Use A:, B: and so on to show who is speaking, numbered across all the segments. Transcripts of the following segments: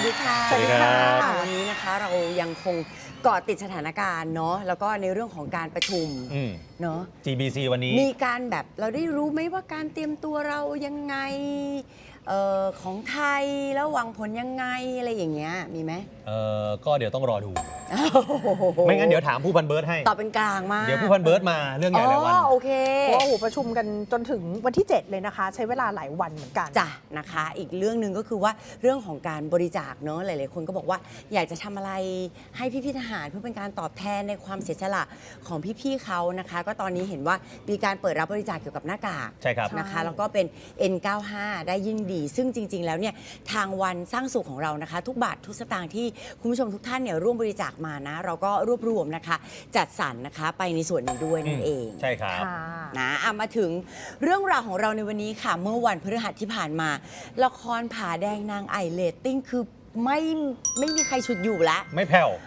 A: ดีค่ะ
B: สวัสดีค่ะ
A: วันนี้นะคะเรายังคงเกาะติดสถานการณ์เนาะแล้วก็ในเรื่องของการประชุมเนาะ
B: GBC วันนี้
A: มีการแบบเราได้รู้ไหมว่าการเตรียมตัวเรายังไงของไทยแล้วหวังผลยังไงอะไรอย่างเงี้ยมีไหม
B: ก็เดี๋ยวต้องรอดู ไม่งั้นเดี๋ยวถามผู้พันเบิร์ดให้
A: ตอบเป็นกลางมาก
B: เดี๋ยวผู้พันเบิร์ดมาเรื่องใหญ่หลายวัน
A: โอเค
C: เพราะว่าประชุมกันจนถึงวันที่ 7 เลยนะคะ ใช้เวลาหลายวันเหมือนกัน
A: จ้ะนะคะอีกเรื่องหนึ่งก็คือว่าเรื่องของการบริจาคเนาะหลายๆคนก็บอกว่าอยากจะทำอะไรให้พี่ๆทหารเพื่อเป็นการตอบแทนในความเสียสละของพี่ๆเขานะคะก็ตอนนี้เห็นว่ามีการเปิดรับบริจาคเกี่ยวกับหน้ากาก
B: ใช่ครับ
A: นะคะแล้วก็เป็น N95 ได้ยิ่งดีซึ่งจริงๆแล้วเนี่ยทางวันสร้างสุขของเรานะคะทุกบาททุกสตางค์ที่คุณผู้ชมทุกท่านเนี่ยร่วมบริจาคมานะเราก็รวบรวมนะคะจัดสรรนะคะไปในส่วนนี้ด้วยนั่นเอง
B: ใช่ครับ
A: นะมาถึงเรื่องราวของเราในวันนี้ค่ะเมื่อวันพฤหัสที่ผ่านมาละครผาแดงนางไอเรตติ้งคือไม่มีใครฉุดอยู่แล้ว
B: ไม่แผ่ว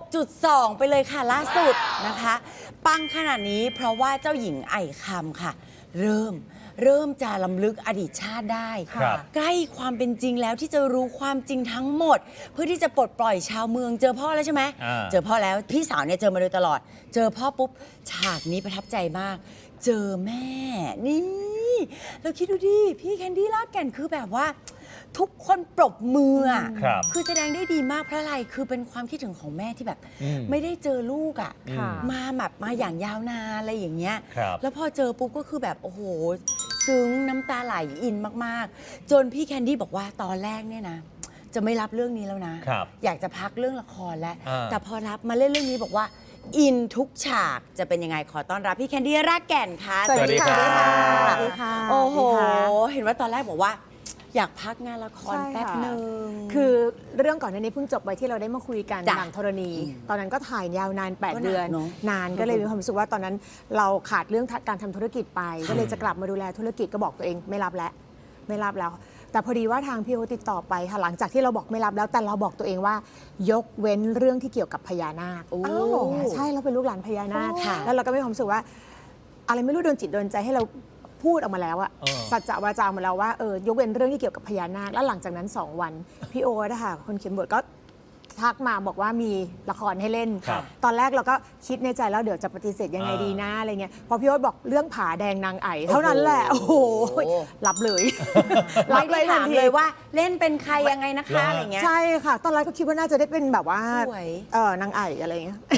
A: 6.2 ไปเลยค่ะล่าสุดนะคะปังขนาดนี้เพราะว่าเจ้าหญิงไอคำค่ะเริ่มจะล้ำลึกอดีตชาติได้ใกล้ความเป็นจริงแล้วที่จะรู้ความจริงทั้งหมดเพื่อที่จะปลดปล่อยชาวเมืองเจอพ่อแล้วใช่ไหมเจอพ่อแล้วพี่สาวเนี่ยเจอมาโดยตลอดเจอพ่อปุ๊บฉากนี้ประทับใจมากเจอแม่นี่เราคิดดูดิพี่แคนดี้ลากแก่นคือแบบว่าทุกคนปรบมือคือแสดงได้ดีมากเพราะอะไรคือเป็นความคิดถึงของแม่ที่แบบไม่ได้เจอลูกอ่ะมาอย่างยาวนานอะไรอย่างเงี้ยแล้วพอเจอปุ๊บก็คือแบบโอ้โหซึ้งน้ำตาไหลอินมากๆจนพี่แคนดี้บอกว่าตอนแรกเนี่ยนะจะไม่รับเรื่องนี้แล้วนะอยากจะพักเรื่องละครแล้วแต่พอรับมาเล่นเรื่องนี้บอกว่าอินทุกฉากจะเป็นยังไงขอต้อนรับพี่แคนดี้รากแก่นค่ะ
B: สวัสดีค่ะ
A: โอ้โหเห็นว่าตอนแรกบอกว่าอยากพักงานละครแป๊บหนึ่ง
C: คือเรื่องก่อนหน้านี้เพิ่งจบไปที่เราได้มาคุยกันหนังธรณีตอนนั้นก็ถ่ายยาวนาน8 เดือนนานก็เลยมีความรู้สึกว่าตอนนั้นเราขาดเรื่องการทำธุรกิจไปก็เลยจะกลับมาดูแลธุรกิจก็บอกตัวเองไม่รับแล้วแต่พอดีว่าทางพี่โอติดต่อไปค่ะหลังจากที่เราบอกไม่รับแล้วแต่เราบอกตัวเองว่ายกเว้นเรื่องที่เกี่ยวกับพญานาคใช่เราเป็นลูกหลานพญานาคแล้วเราก็มีความรู้สึกว่าอะไรไม่รู้โดนจิตโดนใจให้เราพูดออกมาแล้วอะสัจจะวาจามาแล้วว่ายกเว้นเรื่องที่เกี่ยวกับพญานาคแล้วหลังจากนั้น2 วันพี่โอ๊ตค่ะคนเขียนบทก็ทักมาบอกว่ามีละครให้เล่นตอนแรกเราก็คิดในใจแล้วเดี๋ยวจะปฏิเสธยังไงดีนะอะไรเงี้ยพอพี่โอ๊ตบอกเรื่องผาแดงนางไอเท่านั้นแหละโอ้โหรับเลย
A: ไม่ได้ถามเลยว่าเล่นเป็นใครยังไงนะคะอะไรเงี้ย
C: ใช่ค่ะตอนแรกก็คิดว่าน่าจะได้เป็นแบบว่านางไออะไรเงี้ย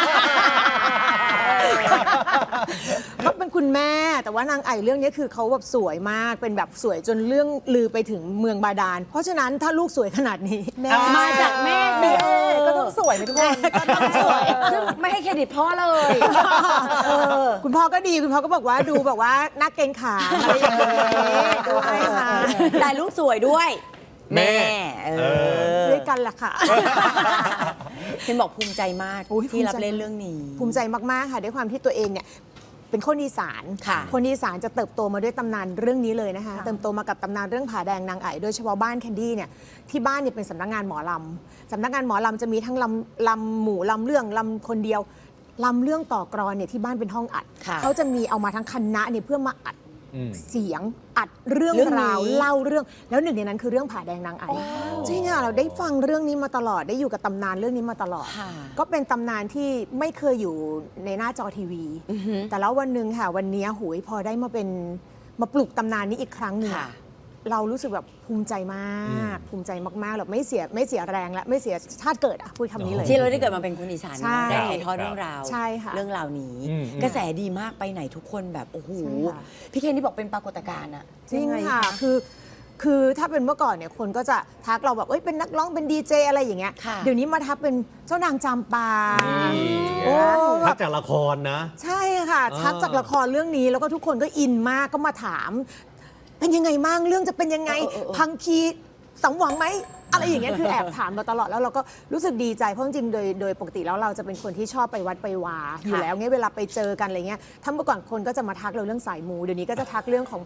C: ก็เป็นคุณแม่แต่ว่านางไอเรื่องนี้คือเขาแบบสวยมากเป็นแบบสวยจนเรื่องลือไปถึงเมืองบาดาลเพราะฉะนั้นถ้าลูกสวยขนาดนี้
A: มาจากแม่สิ
C: ก็ต้องสวยทุกคนก็ต้องสวย
A: ซึ่งไม่ให้เครดิตพ่อเลย
C: คุณพ่อก็ดีคุณพ่อก็บอกว่าดูแบบว่านักเกรงขาอะไรอย่างนี้ด้วยค่ะ
A: แต่ลูกสวยด้วยแม่
C: ด้วยกันแหละค่ะ
A: เห็นบอกภูมิใจมากที่รับเล่นเรื่องนี้
C: ภูมิใจมากๆค่ะด้วยความที่ตัวเองเนี่ยเป็นคนอีสานคนอีสานจะเติบโตมาด้วยตำนานเรื่องนี้เลยนะคะเติบโตมากับตำนานเรื่องผาแดงนางไอโดยเฉพาะบ้านแคนดี้เนี่ยที่บ้านเนี่ยเป็นสำนักงานหมอลำสำนักงานหมอลำจะมีทั้งลำหมู่ลำเรื่องลำคนเดียวลำเรื่องต่อกรอนเนี่ยที่บ้านเป็นห้องอัดเขาจะมีเอามาทั้งคณะเนี่ยเพื่อมาอัดเสียงอัดเรื่องราวเล่าเรื่องแล้วหนึ่งในนั้นคือเรื่องผาแดงนางไอจริงค่ะเราได้ฟังเรื่องนี้มาตลอดได้อยู่กับตำนานเรื่องนี้มาตลอดก็เป็นตำนานที่ไม่เคยอยู่ในหน้าจอทีวีแต่แล้ววันหนึ่งค่ะวันนี้หูยพอได้มาปลุกตำนานนี้อีกครั้งหนึ่งเรารู้สึกแบบภูมิใจมากภูมิใจมากๆแบบไม่เสียแรงและไม่เสียชาติเกิดพูดคำนี้เลย
A: ที่เราได้เกิดมาเป็นคนอีสานได้ถ่ายทอดเรื่องราวเรื่องราวนี้กระแสดีมากไปไหนทุกคนแบบโอ้โหพี่เคนที่บอกเป็นปรากฏการณ์อะ
C: จริงค่ะคือถ้าเป็นเมื่อก่อนเนี่ยคนก็จะทักเราแบบเป็นนักร้องเป็นดีเจอะไรอย่างเงี้ยเดี๋ยวนี้มาทักเป็นเจ้านางจำปา
B: ทักจากละครนะ
C: ใช่ค่ะทักจากละครเรื่องนี้แล้วก็ทุกคนก็อินมากก็มาถามเป็นยังไงมั่งเรื่องจะเป็นยังไงพังคีสมหวังไหมอะไรอย่างเงี้ยคือแอบถามมาตลอดแล้วเราก็รู้สึกดีใจเพราะจริงๆโดยปกติแล้วเราจะเป็นคนที่ชอบไปวัดไปวาอยู่แล้วเงี้ยเวลาไปเจอกันอะไรเงี้ยถ้าเมื่อก่อนคนก็จะมาทักเราเรื่องสายมูเดี๋ยวนี้ก็จะทักเรื่องของ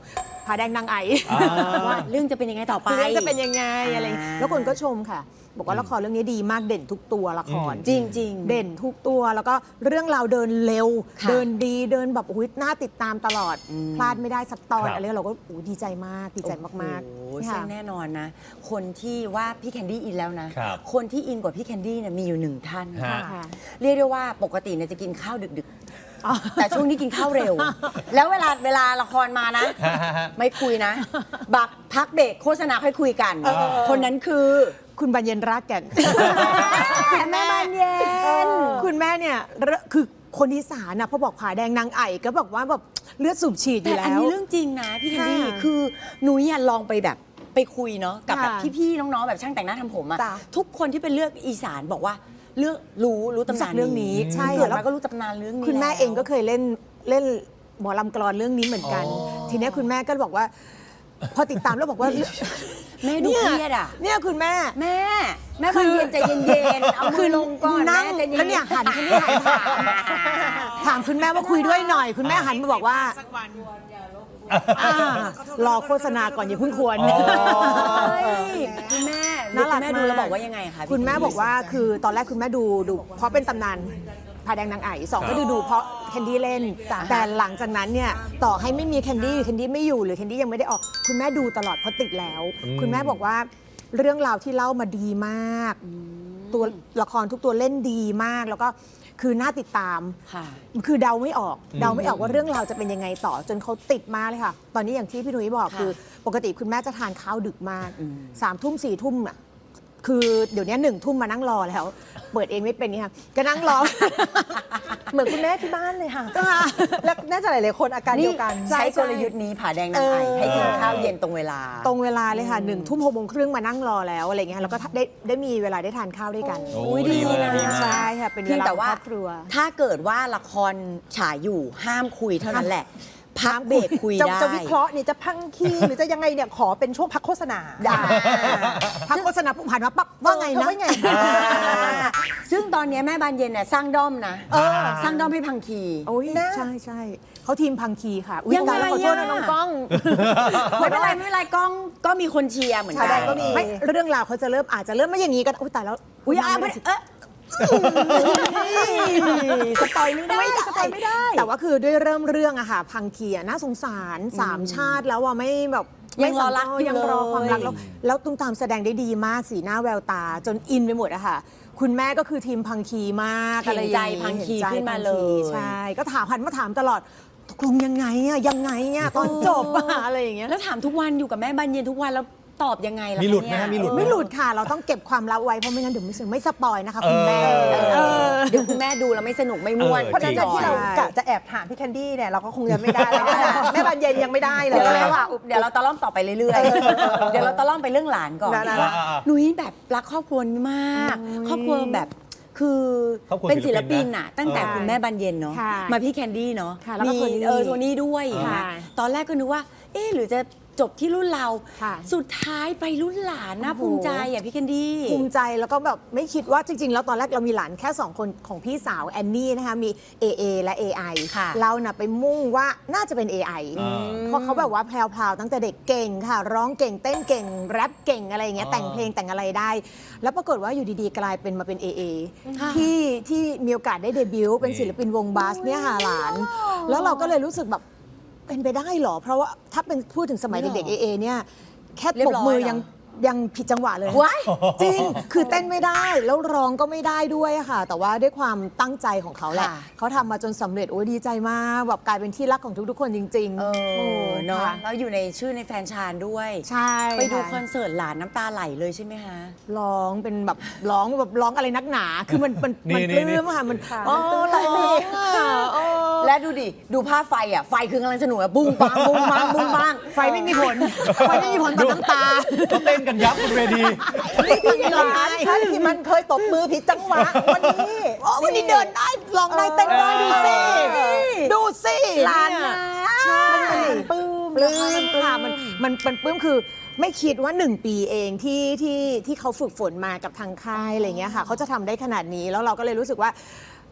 C: ผาแดงนางไอ
A: ว่าเรื่องจะเป็นยังไงต่อไป
C: เรื่องจะเป็นยังไงอะไร
A: อ่า
C: แล้วคนก็ชมค่ะ บอกว่าละครเรื่องนี้ดีมากเด่นทุกตัวละคร
A: จริงๆ
C: เด่นทุกตัวแล้วก็เรื่องราวเดินเร็ว
A: ค่ะ
C: เดินดีเดินแบบอุ๊ยน่าติดตามตลอด พลาดไม่ได้สักตอน
B: ครับ
C: อะไรเราก็โอ้ดีใจมากดีใจมาก
A: โอ้โห
C: ๆ
A: ซึ่
C: ค่ะ
A: งแน่นอนนะ คนที่ว่าพี่แคนดี้อินแล้วนะ
B: ครับ
A: คนที่อินกว่าพี่แคนดี้เนี่ยมีอยู่หนึ่งท่าน
B: ฮะ
C: ค่ะ
A: เรียกได้ว่าปกติเนี่ยจะกินข้าวดึก
C: อ๋อ
A: ๆ แต่ช่วงนี้กินข้าวเร็ว แล้วเวลาละครมานะ ไม่คุยนะ บักพักเบรกโฆษณาค่อยคุยกัน คนนั้นคือ
C: คุณบานเย็นรากแก่น
A: แม่บานเย็น
C: คุณแม่เนี่ยคือคนอีสานนะพอบอกผาแดงนางไอก็บอกว่าแบบเลือดสูบฉีดอ
A: แต่
C: ยู่แล้
A: อัน
C: ว
A: นี้เรื่องจริงนะพี่แคนดี้
C: ค่ะ
A: คือหนูอยลองไปแบบไปคุยเนาะกับแบบ
C: ค่ะ
A: พี่ๆน้องๆแบบช่างแต่งหน้าทำผมอะ
C: จ้ะ
A: ทุกคนที่เป็นเลือกอีสานบอกว่าเลือกรู้ตำ
C: รู้จั
A: นาก น
C: เรื่องนี้ใช่
A: เกิด
C: แล้ว
A: มาก็รู้ตำนานเรื่องนี้
C: คุณแม่
A: ล้ว
C: เองก็เคยเล่นหมอลำกลอนเรื่องนี้เหมือนกัน
B: อ๋อ
C: ทีเนี้ยคุณแม่ก็บอกว่า พอติดตามแล้วบอกว่า
A: แม่ดูเครียดอะ
C: เนี่ยคุณแม่
A: แม่บานเย็นใจเย็นๆเอามือลงก่อน
C: นั่ง
A: แม่ใจเย็นๆ
C: แล้วเนี่ยหันคุณแม่หันถามคุณแม่ว่าคุยด้วยหน่อย คุณแม่หันมาบอกว่าอ่ารอโฆษณาก่อนอย่าเพิ่งควร
B: อ๋อ
A: เฮ้ยคุณแม่
C: น่ารัก
A: คุณแม่ดูแล้ว
C: มาก
A: บอกว่ายังไงคะพี่
C: คุณแม่บอกว่าคือตอนแรกคุณแม่ดูเพราะเป็นตำนานผาแดงนางไอสองก็ดูเพราะแคนดี้เล่น แต่หลังจากนั้นเนี่ยต่อให้ไม่มีแคนดี้ไม่อยู่หรือแคนดี้ยังไม่ได้ออก คุณแม่ดูตลอดเพราะติดแล้ว คุณแม่บอกว่าเรื่องราวที่เล่ามาดีมาก ตัวละครทุกตัวเล่นดีมาก แล้วก็คือน่าติดตาม
A: ค่ะ
C: คือเดาไม่ออกว่าเรื่องราวจะเป็นยังไงต่อจนเขาติดมากเลยค่ะ ตอนนี้อย่างที่พี่นุ้ยบอก
A: ค่ะ
C: คือปกติคุณแม่จะทานข้าวดึกมาก
A: อืม
C: 3 ทุ่ม4 ทุ่มอ่ะคือเดี๋ยวนี้1 ทุ่มมานั่งรอแล้ว เปิดเองไม่เป็นนี่ค่ะก็นั่งรอ
D: เหมือนคุณแม่ที่บ้านเลยค่ะ
C: ก็มา
D: และน่าจะหลายๆคนอาการเดียวกัน
A: ใช้กลยุทธ์นี้ผาแดงนางไอให้กินข้าวเย็นตรงเวลา
C: ตรงเวลาเลยค่ะ1 ทุ่ม6 โมงครึ่งมานั่งรอแล้วอะไรเงี้ยแล้วก็ได้มีเวลาได้ทานข้าวด้วยกัน
B: โอ้
A: อุ๊ยดีนะ
B: ดีมาก
C: ใช่ค่ะเป็นเว
A: เพียง
C: ลา
A: แต่
C: ของ
A: ว่า
C: ครอบครัว
A: ถ้าเกิดว่าละครฉายอยู่ห้ามคุยเท่านั้นแหละ พักเบรกคุย
D: จะ
A: ได้
D: จะวิเคราะห์เนี่ยจะพังคีหรือจะยังไงเนี่ยขอเป็นช่วงพักโฆษณา
C: ได้ พักโฆษณาผ่านมาปั๊บว่าไงนะ
D: ว่าไง
A: ซึ่งตอนนี้แม่บานเย็นเนี่ยสร้างด้อมนะสร้างด้อมให้พังคี
C: โอ้ย
D: นะ
C: ใช่เขาทีมพังคีค่ะอุ๊
A: ยังไง
C: ตาแล้วขอโทษนะ
A: อะ
C: น้องก้อง
A: ไม่เป็นไรกล้องก็มีคนเชียร์เหมือนกั
D: ผาแดงก็มี
C: ไม่เรื่องราวเขาจะอาจจะเริ่มไม่อย่างนี้ก็อุ้ยตายแล้ว
A: อุ้ยไม่สปอยไม่ได้สปอยไม่ได้
C: แต่ว่าคือด้วยเริ่มเรื่องอะค่ะพังคีอะน่าสงสาร3 ชาติแล้วอะไม่แบบ
A: ยังรอรักอยู่
C: ยังรอความรัก
A: เลย
C: แล้วตุ้มตามแสดงได้ดีมากสีหน้าแววตา จนอินไปหมดอะค่ะ คุณแม่ก็คือทีมพังคีมาก
A: เห็น
C: อะไรอย่าง
A: ใจ
C: งี้
A: พังคี
C: ห็ใจ
A: ขึ้นมาเลย
C: ใช่ก็หันมาถามตลอดตกลงยังไงอะตอนจบอะอะไรอย่างเงี้ย
A: แล้วถามทุกวันอยู่กับแม่บานเย็นทุกวันแล้วตอบยังไงล่ะ
B: มีหลุดไหม
A: เนี่ย
B: ฮะมีหลุด
C: ไม่หลุดค่ะ เราต้องเก็บความลับไว้เพราะไม่งั้นเดี๋ยวไม่สปอยนะคะคุณแม่
A: เดี๋ยวคุณแม่ดูแล้วไม่สนุกไม่ม่วน
B: เออ
D: เพราะฉะนั้น
B: จริง
D: ที่เรากะจะแอบถามพี่แคนดี้เนี่ยเราก็คงยังไม่ได้แล้วนะแม่บานเย็นยังไม่ได้เล
A: เดี๋
D: ย
A: ยวเราตะล่อมต่อไปเรื่อยๆ เดี๋ยวเราตะล่อมไปเรื่องหลานก่อน
D: ได้
A: ว่าหนุ่ยแบบรักครอบครัวนี้มาก ครอบครัวแบบคือ
B: ครอบครัว
A: เป็นศิลปิน
B: ศิลปินนะ
A: น่ะตั้งแต่
C: ใช่
A: คุณแม่บานเย็นเนาะ
C: ค่ะ
A: มาพี่แคนดี้เนาะ
C: ค่ะแล้วก็
A: มี
C: โทนี่
A: โทนี่ด้วย
C: ค่ะ
A: นะตอนแรกก็นึกว่า เอ๊ะหรือจะจบที่รุ่นเรา
C: ค่ะ
A: สุดท้ายไปรุ่นหลานน่า
C: โอ้โห
A: ภูมิใจอ่ะพี่แคนดี้
C: ภูมิใจแล้วก็แบบไม่คิดว่าจริง ๆ แล้วตอนแรกเรามีหลานแค่ 2 คนของพี่สาวแอนนี่นะคะมี AA และ AI
A: ค่ะ
C: เราน่ะไปมุ่งว่าน่าจะเป็น AI เพราะเขาแบบว่าแพรวๆตั้งแต่เด็กเก่งค่ะ ร้องเก่งเต้นเก่งแรปเก่งอะไรอย่างเงี้ยแต่งเพลงแต่งอะไรได้ แล้วปรากฏว่าอยู่ดีๆ กลายเป็นมาเป็น AA
A: ค่ะ
C: ที่มีโอกาสได้เดบิวต์เป็นศิลปินวงบาสเนี่ยค่ะหลาน แล้วเราก็เลยรู้สึกแบบเป็นไปได้เหรอ เพราะว่าถ้าเป็นพูดถึงสมัยเด็กๆ AA เนี่ยแค่
A: เรีย
C: ป
A: บ
C: รบ
A: ร้อย
C: มือ
A: เหรอ
C: ยังผิดจังหวะเลย
A: ว้าย
C: จริง คือเต้นไม่ได้ แล้วร้องก็ไม่ได้ด้วยอะค่ะ แต่ว่าด้วยความตั้งใจของเขาแหละ
A: ค่ะ
C: เขาทำมาจนสำเร็จ โอ้ยดีใจมาก แบบกลายเป็นที่รักของทุกๆ คนจริงๆ
A: เออเนาะ
C: ค่ะ
A: แล้วอยู่ในชื่อในแฟนชานด้วย
C: ใช่
A: ไปดูค
C: ค่ะ
A: อนเสิร์ตหลานน้ำตาไหลเลยใช่ไหมคะ
C: ร้องเป็นแบบร้องอะไรนักหนา คือมันป
B: นี่
C: ลื้มอะค่ะ มัน
D: ค่ะ
C: อ๋อร้องอะอ๋อ
A: และดูดิ ดูภาพไฟอ่ะ ไฟคือกำลังสนุกอ่ะ บุ้งปังบุ้งปังบุ้งปัง
C: ไฟไม่มีผล ไฟไม่มีผลต่อน้ำตา
B: เขาเต้นกันยับบนเวที
D: หลานฉันที่มันเคยตบมือผิดจังหวะวันนี้
C: อ๋อวันนี้เดินได้ร้องได้เต้นได้ดูสิ ดูสิ
A: หลาน
C: เย
A: นะ
C: ใช่
D: ปลื้ม
C: ปลื้มค่ะมันปลื้มคือไม่คิดว่า 1 ปีเองที่เขาฝึกฝนมากับทางค่ายอะไรเงี้ยค่ะเขาจะทำได้ขนาดนี้แล้วเราก็เลยรู้สึกว่า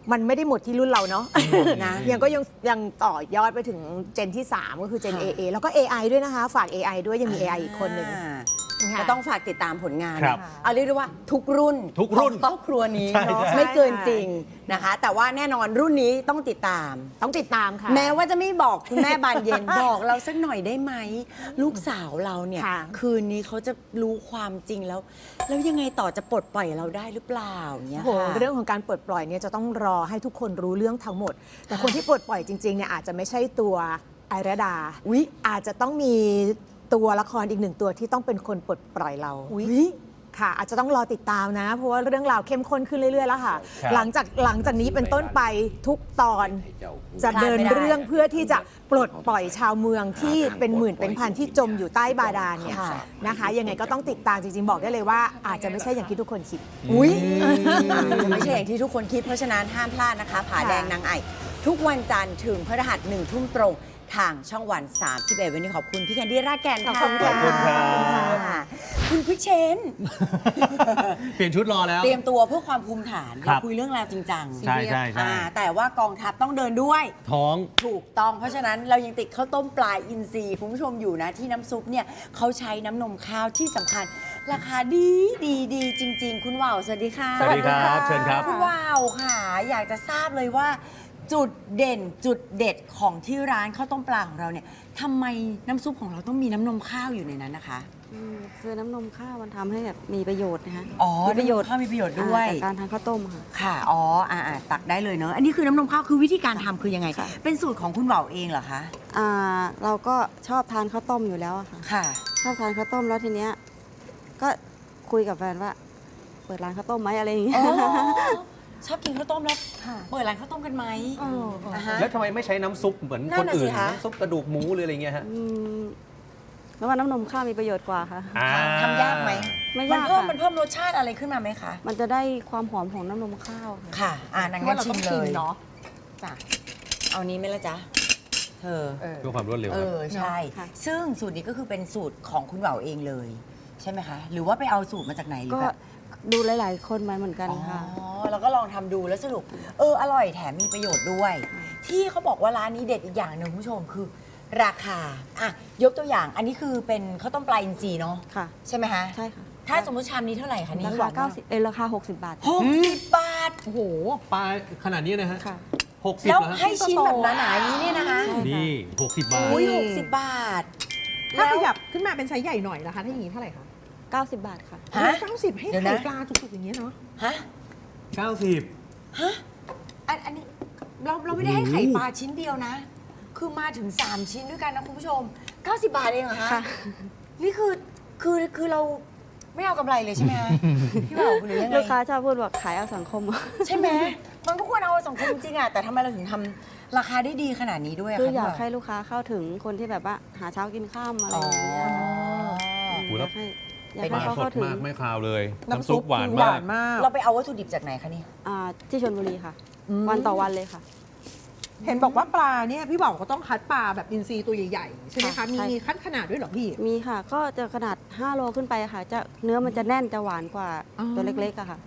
C: มันไม่ได้หมดที่รุ่นเราเนาะ
A: นะ
C: ยังต่อยอดไปถึงเจนที่ 3 ก็คือเจน AA แล้วก็ AI ด้วยนะคะ ฝาก AI ด้วยยังมี AI อีกคนหนึ่ง ค่ะ
A: ก็ต้องฝากติดตามผลงาน
B: ครับ
A: เอาเรียกได้ว่าทุกรุ่น
B: ทุกรุ่น
A: ของครอบครัวนี้
B: ใช่
A: เนาะ
B: ใช่
A: ไม่เกินจริงนะคะ แต่ว่าแน่นอนรุ่นนี้ต้องติดตาม
C: ต้องติดตามค่ะ
A: แม้ว่าจะไม่บอกคุณแม่บานเย็น บอกเราสักหน่อยได้ไหม ลูกสาวเราเนี่ย
C: ค่ะ
A: คืนนี้เขาจะรู้ความจริงแล้ว แล้วยังไงต่อจะปลดปล่อยเราได้หรือเปล่าเนี่ย
C: โอ้โห
A: ค่ะ
C: เรื่องของการปลดปล่อยเนี่ยจะต้องรอให้ทุกคนรู้เรื่องทั้งหมด แต่คนที่ปลดปล่อยจริงๆเนี่ยอาจจะไม่ใช่ตัวไอราดา
A: อุ๊ย
C: อาจจะต้องมีตัวละครอีกหนึ่งตัวที่ต้องเป็นคนปลดปล่อยเรา
A: อุ๊ย
C: ค่ะ อาจจะต้องรอติดตามนะ เพราะว่าเรื่องราวเข้มข้นขึ้นเรื่อยๆแล้วค่ะ
B: ครับ
C: หลังจากนี้เป็นต้นไปทุกตอนจะเดินเรื่องเพื่อที่จะปลดปล่อยชาวเมืองที่เป็นหมื่นเป็นพันที่จมอยู่ใต้บาดาลเนี่ย
A: ค่ะ
C: นะคะ ยังไงก็ต้องติดตามจริงๆบอกได้เลยว่า อาจจะไม่ใช่อย่างที่ทุกคนคิด
A: อุ๊ยจะไม่ใช่อย่างที่ทุกคนคิด เพราะฉะนั้นห้ามพลาดนะคะผาแดงนางไอทุกวันจันทร์ถึงพฤหัส1 ทุ่มตรงทางช่องวัน 31 วันนี้ขอบคุณพี่แคนดี้รากแก่นค่ะ
C: ขอบคุณค่ะ
B: ขอบคุณครับ
A: ค่ะคุณพิเชน
B: เปลี่ยนชุดรอแล้ว
A: เตรียมตัวเพื่อความภูมิฐาน
B: ครั
A: เรา
B: บ
A: คุยเรื่องราวจริงจัง
B: ใช่ใช่ใช่
A: แต่ว่ากองทัพต้องเดินด้วย
B: ท้อง
A: ถูกต้อง เพราะฉะนั้นเรายังติดข้าวต้มปลาอินทรีย์คุณผู้ชมอยู่นะที่น้ำซุปเนี่ยเขาใช้น้ำนมข้าวที่สำคัญ ราคาดีจริง ๆ คุณว่าวสวัสดีค่ะ
B: สวัสดีครับเชิญครับ
A: คุณว่าวค่ะ อยากจะทราบเลยว่า จุดเด่นจุดเด็ดของที่ร้านข้าวต้มปลาของเราเนี่ยทำไมน้ำซุปของเราต้องมีน้ำนมข้าวอยู่ในนั้นนะคะ
E: คือน้ำนมข้าวมันทำให้แบบมีประโยชน์นะคะ
A: อ๋อ
E: มีประโยชน์
A: น้ำนมข้าวมีประโยชน์ด้วย
E: จากการทานข้าวต้มค่ะ
A: ค่ะ อ๋อตักได้เลยเนอะอันนี้คือน้ำนมข้าวคือวิธีการทำคือยังไง
E: ค่ะ
A: เป็นสูตรของคุณเหว่าเองเหรอคะ
E: เราก็ชอบทานข้าวต้มอยู่แล้วอะค่ะ
A: ค่ะ
E: ชอบทานข้าวต้มแล้วทีเนี้ยก็คุยกับแฟนว่า เปิดร้านข้าวต้มไหมอะไรอย่างเงี้ย
A: อ๋อ ชอบกินข้าวต้มแล้วเปิดร้านข้าวต้มกันไหมอ่าฮะ
B: แล้วทำไมไม่ใช้น้ำซุปเหมือน
A: นั่
B: คน น
A: น่ะสิ
B: อื่น
A: คะ
B: น้ำซุปกระดูกหมูหรืออะไรเงี้ยฮะ
E: อืมแล้วว่าน้ำนมข้าวมีประโยชน์กว่าค่ะ
A: ทำยากไหม
E: ไม่
A: มัน
E: ยาก
A: เพิ่ม
E: ค่ะ
A: มันเพิ่มรสชาติอะไรขึ้นมาไหมคะ
E: มันจะได้ความหอมของน้ำนมข้าวค่ะ
A: ค่ะนาง
D: เพราะ
A: งั้
D: ว่าน เรา
A: ชิ
D: ต้อ
A: ม
D: ง
A: เล
D: ชิม
A: ย
D: เนาะจ้ะ
A: เอานี้ไหมล่ะจ๊ะเธอ
B: เพื่อความรวดเร็ว
A: ใช่
E: ค่ะ
A: ซึ่งสูตรนี้ก็คือเป็นสูตรของคุณเหว่าเองเลย ใช่ไหมคะ หรือว่าไปเอาสูตรมาจากไหนหรือ
E: ก็
A: แบบ
E: ดูหลาย ๆ คนมาเหมือนกันค่ะ
A: อ๋อแล้วก็ลองทำดูแล้วสรุปอร่อยแถมมีประโยชน์ด้วย ที่เขาบอกว่าร้านนี้เด็ดอีกอย่างหนึ่งคุณผู้ชมคือราคาอ่ะยกตัวอย่างอันนี้คือเป็นข้าวต้มปลาอินทรีย์เนาะ
E: ค่ะ
A: ใช่ไหมคะ
E: ใช่ค่ะ
A: ถ้าสมมติชามนี้เท่าไหร่คะนี่
E: ราคา90ราคา60 บาท
A: 60 บาท
B: โอ้โห ปลาขนาดนี้นะฮะ
E: ค่ะ
B: 60
A: แล้ว
B: เหรอฮะ
A: ให้ชิ้นแบบหนาๆอย่างนี้เนี่ยนะคะ
E: ใช่
B: นี่ 60 บาท
A: อุ้ย60 บาท
D: ถ้า
A: แล้ว
D: ขยับขึ้นมาเป็นไซส์ใหญ่หน่อยนะคะ ถ้าอย่างนี้เท่าไหร่คะ
E: 90 บาทค่ะ
A: ฮะ
D: 90ให้
A: เดี๋ยว
D: ไข่
A: นะ
D: ปลาจุกๆอย่างเงี้ยเนาะ
A: ฮะ
B: 90
A: ฮะอันนี้เราไม่ได้ให้ไข่ปลาชิ้นเดียวนะ คือมาถึง 3 ชิ้นด้วยกันนะคุณผู้ชม 90 บาทเองเหรอคะ
E: ค่ะ
A: นี่คือเราไม่เอากำไรเลยใช่ไหมคะพี่บ่าวหรือยังไง
E: ลูกค้าชอบพูดว่าขายเอาสังคม
A: ใช่ไหมมันก็ควรเอาสังคมจริงๆอะแต่ทำไมเราถึงทำราคาได้ดีขนาดนี้ด้วยอะ
E: คือ
A: คะ
E: อยาก
A: พี่บ่าว
E: ให้ลูกค้าเข้าถึงคนที่แบบว่าหาเช้ากินข้ามอะไรอย่างเงี้ยค่ะ
B: โอ้โห
E: อ
B: แล้
E: ยาว กให้
B: ปลา
E: เขา
B: ส
E: เข้า
B: ด
E: ถึง
B: มากไม่คาวเลย
D: น้ำซุป
B: หวาน
D: คือ
B: มาก
D: มาก
A: เราไปเอาวัตถุดิบจากไหนคะนี่
E: ที่ชลบุรีค่ะ วันต่อวันเลยค่ะ
D: เห็นบอกว่าปลาเนี่ยพี่บอกก็ต้องคัดปลาแบบอินทรีตัวใหญ่ๆ ใช่ไหมคะ
E: ค่ะ
D: มี
E: ใช่
D: คัดขนาดด้วยเหรอพี่
E: มีค่ะ ก็จะขนาด 5 โลขึ้นไปค่ะ จะเนื้อมันจะแน่นจะหวานกว่า
D: อ๋อ
E: ตัวเล็กๆอะค่ะ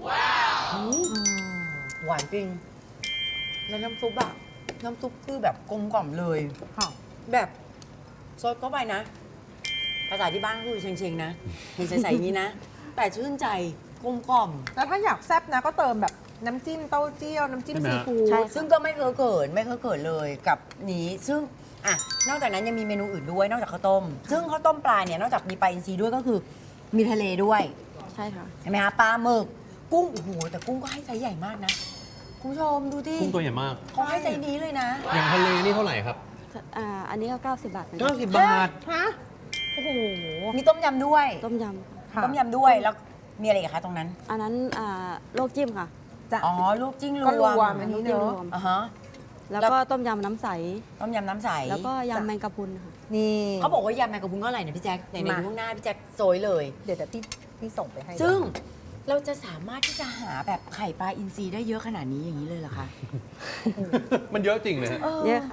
A: หวานจริง แล้วน้ำซุปอะน้ำซุปคือแบบกลมกล่อมเลย
D: ค่ะ
A: แบบซดเข้าไปนะ ภาษาที่บ้านก็คือเชงๆนะ เห็นใสๆอย่างนี้นะ แต่ชื่นใจกลมกล่อม
D: แล้วถ้าอยากแซ่บนะก็เติมแบบน้ำจิ้มเต้าเจี้ยว น้ำจิ้ม
B: ใช่ไหม
D: ซี
B: ฮะ
D: ฟู้
E: ใช่
D: ด
A: ซึ่งก็ไม่เคยเกิดเลยกับนี้ ซึ่งอ่ะนอกจากนั้นยังมีเมนูอื่นด้วย นอกจากข้าวต้ม ซึ่งข้าวต้มปลาเนี่ยนอกจากมีปลาอินทรีด้วยก็คือมีทะเลด้วย
E: ใช่ค่ะ
A: เห็นไหมคะปลาหมึกกุ้งโอ้โหแต่กุ้งก็ให้ไซส์ใหญ่มากนะคุณผู้ชมดูที่
B: กุ้งตัวใหญ่มาก
A: เขาให้ไซส์นี้เลยนะ
B: อย่างทะเลนี่เท่าไหร่ครับ
E: อันนี้ก็ 90 บาทเหมือนกัน
B: 90 บาท
D: ฮะ โอ้โห
A: มีต้มยำด้วย
E: ต้มยำ
D: ค่ะ
A: ต้มยำด้วยแล้วมีอะไรอีกคะตรงนั้น
E: อันนั้นโลกจิ้มค่ะ
D: จะ
A: อ๋อลูกจิ้งร
D: ก็ร
A: ว
D: ว
A: ม
D: มอันนี้
E: จิ้
D: เน
E: ม
D: อะ
E: รวม
A: อ่าฮะ
E: แล้วก็ต้มยำน้ำใส
A: ต้มยำน้ำใส
E: แล้วก็ยำแมงกะพรุนค่ะ
D: นี่
A: เขาบอกว่ายำแมงกะพรุนก็อร่อยนะพี่แจ๊คไหนๆ
D: มา
A: ดูข้างหน้าพี่แจ๊คโซยเลย
D: เดี๋ยวพี่ส่งไปให้
A: ซึ่งเราจะสามารถที่จะหาแบบไข่ปลาอินทรีได้เยอะขนาดนี้อย่างนี้เลยเหรอคะ
B: มันเยอะจริงเลยฮะ
E: เยอะค่ะ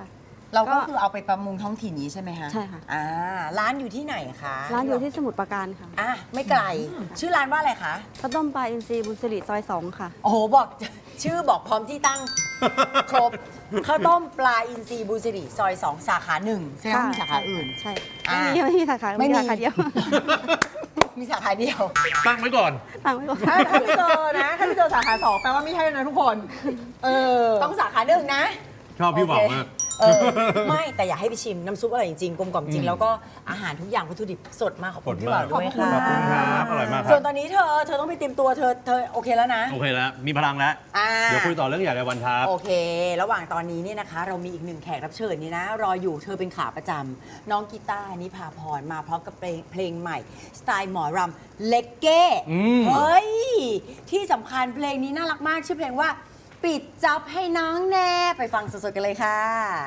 A: เราก็คือเอาไปประมงท้องถิ่นนี้ใช่ไหมคะ
E: ใช่ค่ะ
A: ร้านอยู่ที่ไหนคะ
E: ร้านอยู่ที่สมุทรปราการค่ะ
A: ไม่ไกล ชื่อร้านว่าอะไรคะ
E: ข้าวต้มปลาอินทรีย์บุญสิริซอย 2 ค่ะ
A: โอ้โหบอกชื่อบอกพร้อมที่ตั้ง ครบข้าวต้มปลาอินทรีย์บูสิริซอย 2 สาขา 1 ใช่ไหมมีสาขาอื่น
E: ใช่
A: อ่า
E: ไม่มีสาขา
A: ไม่มี
E: สาขาเดียว
A: มีสาขาเดียว
B: ตั้งไว้ก่อน
E: ตั้งไว้ก่อน
D: ถ้าพี่เจอนะ ถ้าพี่เจอสาขา2แปลว่าไม่ใช่นะทุกคน
A: ต้องสาขาหนึ่งนะ
B: ชอบพี่หวังมาก
A: ไม่แต่อยากให้ไปชิมน้ำซุปอร่อยจริงๆกลมกล่อมจริงแล้วก็อาหารทุกอย่างวัตถุดิบสดมากขอบคุณพี่บ่าวด้วย
B: ขอบ
A: ค่ะ
B: คุณครับ อร่อยมากค
A: ส่
B: รั
A: วนตอนนี้เธอต้องไปเตรียมตัวเธอโอเคแล้วนะ
B: โอเคแล้ว มีพลังแล้ว เดี๋ยวคุยต่อเรื่องใหญ่ในวันครับ
A: โอเค ระหว่างตอนนี้เนี่ยนะคะ เรามีอีกหนึ่งแขกรับเชิญนี่นะ รออยู่เธอเป็นขาประจำน้องกีตาร์นิพาพรมาพร้อมกับเพลงใหม่ สไตล์หมอรำเล็กเก้ เฮ้ย ที่สำคัญเพลงนี้น่ารักมาก ชื่อเพลงว่า ปิดจ็อบให้น้องแน่ ไปฟังสดๆกันเลยค่ะ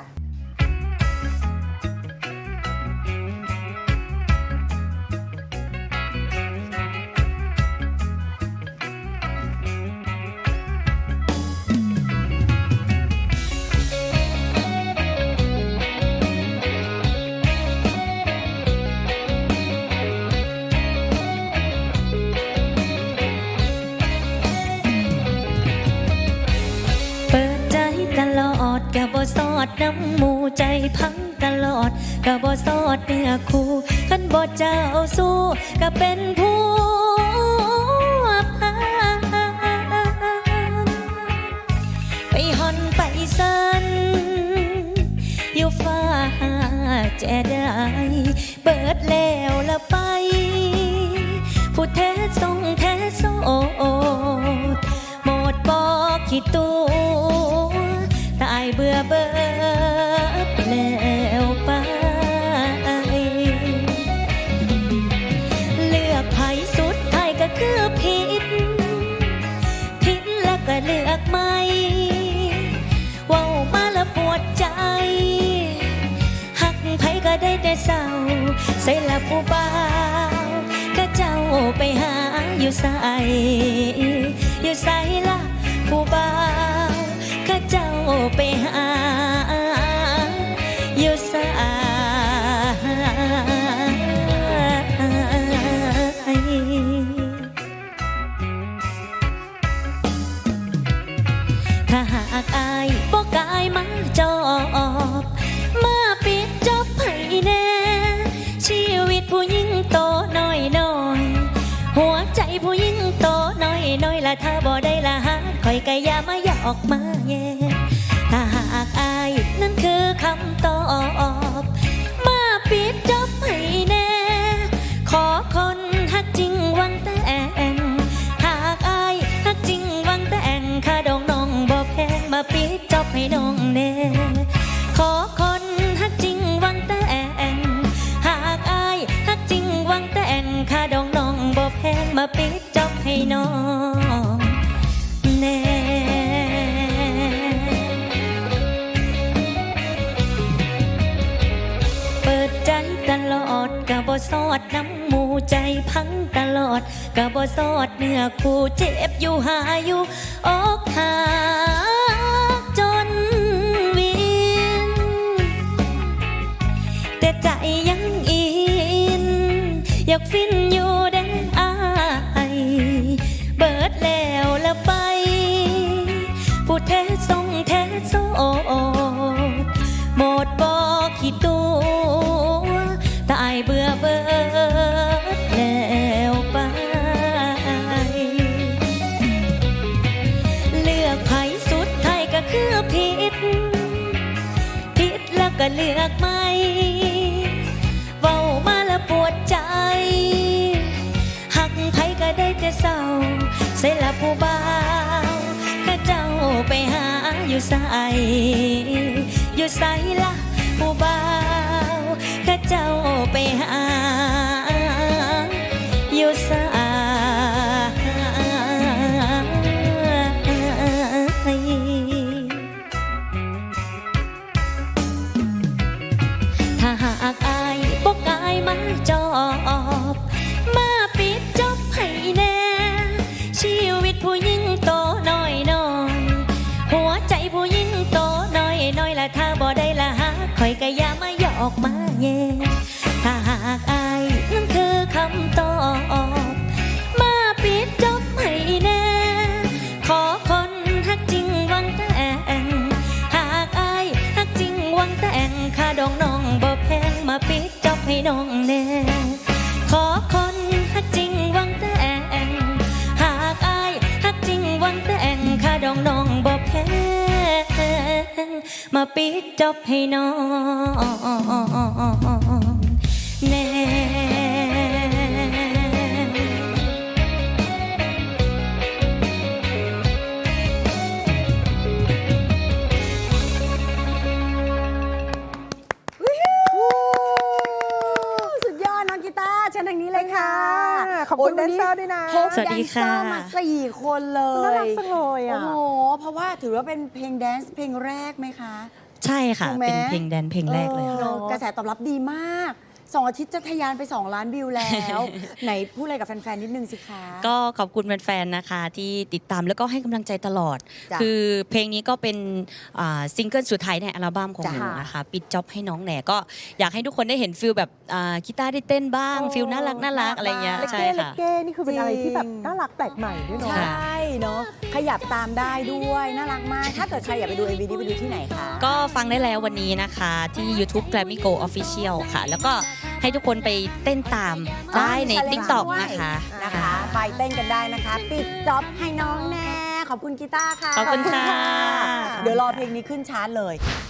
F: เปิดใจตลอดกะบ่สอดน้ำหมูใจพังตลอดกะบ่สอดเนื้อคู่คันบ่เจ้าสู้กะเป็นผู้พันไปหอนไปสันอยู่ฟ้าแจ่ได้เปิดแล้วละไป ผู้แท้ทรงแท้โสดหมดบอกขี้ตัวตายเบื่อเบิดแล้วไป เลือกไผสุดท้ายก็คือผิดแล้วก็เลือกใหม่เว้ามาแล้วปวดใจ หักไผก็ได้แต่เศร้าใส่ละผู้บ่าวก็เจ้าไปหาอยู่ใส่อยู่ใส่ละผู้บ่าวก็เจ้าไปหาอยู่ใส่ถ้าหากอายบ่กายมาจอบมาปิดจบให้แน่ชีวิตผู้หญิงโตน้อยน้อยหัวใจผู้หญิงโตน้อยน้อยละถ้าบ่ได้ละหาคอยก็อย่ามาอยากออกมาแย่ถ้าหากอายนั่นคือคำตอบมาปิดจบให้แน่ขอคนฮักจริงหวังแต่งหากอายฮักจริงหวังแต่งค่าดองน้องบ่แพงมาปิดจบให้น้องแน่ขอคนฮักจริงหวังแต่งหากอายฮักจริงหวังแต่งค่าดองน้องบ่แพงมาปิดจบให้น้องแน่เปิดใจตลอดกะบ่สอดน้ำหมูใจพังตลอดกะบ่สอดเนื้อคู่เจ็บอยู่หาอยู่อกหักจนวินแต่ใจยังอินอยากฟินอยู่เด้อายเบิดแล้วละไปผู้แท้ทรงแท้โสดหมดบอกขี้ตัวตายเบื่อเบิดแล้วไป เลือกไผสุดท้ายก็คือผิดแล้วก็เลือกใหม่เว้ามาแล้วปวดใจ หักไผก็ได้แต่เศร้าใส่ละผู้บ่าวก็เจ้าไปหาอยู่ใส่อยู่ใส่ละผู้บ่าวก็เจ้าไปหาอยู่ใส่ถ้าหากอายบ่กายมาจอบมาปิดจบให้แน่ชีวิตผู้หญิงโตน้อยน้อยหัวใจผู้หญิงโตน้อยน้อยละถ้าบ่ได้ละหาปิดจอบให้น้องแน่ขอคนฮักจริงหวังแต่งหากอายฮักจริงหวังแต่งค่าดองน้องบ่แพงมาปิดจอบให้น้องแน่
A: สุดยอดน้องกีตาร์เชิญทางนี้เลยค่ะ
D: ขอบคุณแดนเซอร์ด้วยนะ
A: พบ
F: สวัสดีค่ะ
A: แดนเซอร์มา4 คนเลย
D: น่ารักจังเลยอ่ะ
A: โอ้โหเพราะว่าถือว่าเป็นเพลงแดนซ์เพลงแรกไหมคะ
F: ใช่ค่ะ
A: ถูกไหม
F: เป็นเพลงแดนเพลงแรกเลยค่ะ
A: กระแสตอบรับดีมาก2 อาทิตย์จะทะยานไป2 ล้านวิวแล้ว ไหนพูดอะไรกับแฟนๆนิดนึงสิคะ
F: ก็ขอบคุณแฟนๆนะคะที่ติดตามแล้วก็ให้กำลังใจตลอด
A: จ้ะ
F: คือเพลงนี้ก็เป็นซิงเกิลสุดท้ายในอัลบั้มของหนู
A: จ้ะ
F: นะคะปิดจ็อบให้น้องแหน่ก็อยากให้ทุกคนได้เห็นฟิลแบบกีตาร์ได้เต้นบ้าง
D: โอ้
F: ฟิลน่ารักอะไรเงี้ย
D: เลก
F: ใช่
D: เก้เล
F: ค่ะ
D: กเก้นี่คือเป็นอะไรที่แบบ
A: จริง
D: น่ารักแปลกใหม่ด้วยเนาะ
A: ใช่เนาะขยับตามได้ด้วยน่ารักมาก ถ้าเกิดใครอยากไปดู MV นี้ไปดูที่ไหนคะ
F: ก็ฟังได้แล้ววันนี้นะคะที่ YouTube Grammy Go Official ค่ะ แล้วก็ให้ทุกคนไปเต้นตามได้ใน
A: challenge
F: TikTok
A: ด้วย
F: นะคะ
A: นะคะ ไปเต้นกันได้นะคะ ปิดจ็อบให้น้องแน่ขอบคุณกีตาร์ค่ะ
F: ขอบคุณค่ะ
A: เดี๋ยวรอเพลงนี้ขึ้นชาร์ตเลย